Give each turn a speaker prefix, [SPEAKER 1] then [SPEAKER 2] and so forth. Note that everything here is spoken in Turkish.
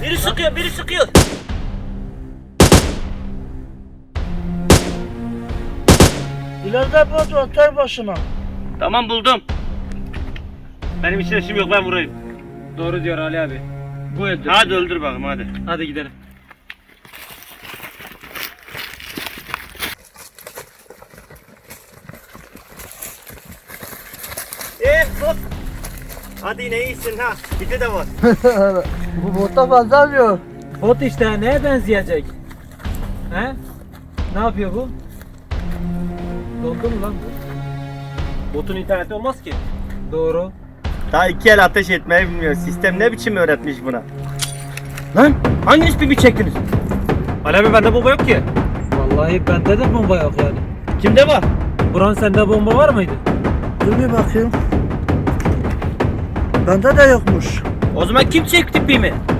[SPEAKER 1] Biri sıkıyor, biri sıkıyor.
[SPEAKER 2] İleride bot var, ter başına.
[SPEAKER 1] Tamam buldum. Benim hiç işim yok, ben vurayım.
[SPEAKER 3] Doğru diyor Ali abi. Bu öldür.
[SPEAKER 1] Hadi öldür bakalım hadi.
[SPEAKER 3] Hadi gidelim.
[SPEAKER 1] Bot. Hadi yine iyisin ha. Bir de var.
[SPEAKER 2] Bu bota benzemiyor.
[SPEAKER 3] Bot işte neye benzeyecek? He? Ne yapıyor bu? Dondu mu lan bu?
[SPEAKER 1] Botun interneti olmaz ki.
[SPEAKER 3] Doğru.
[SPEAKER 1] Daha 2 el ateş etmeyi bilmiyor. Sistem ne biçim öğretmiş buna? Lan hanginiz bir çektiniz? Ali abi bende bomba yok ki.
[SPEAKER 3] Vallahi bende de bomba yok yani.
[SPEAKER 1] Kimde var?
[SPEAKER 3] Buran sende bomba var mıydı?
[SPEAKER 2] Dur bir bakayım. Bende de yokmuş.
[SPEAKER 1] O zaman kim çekti pimi?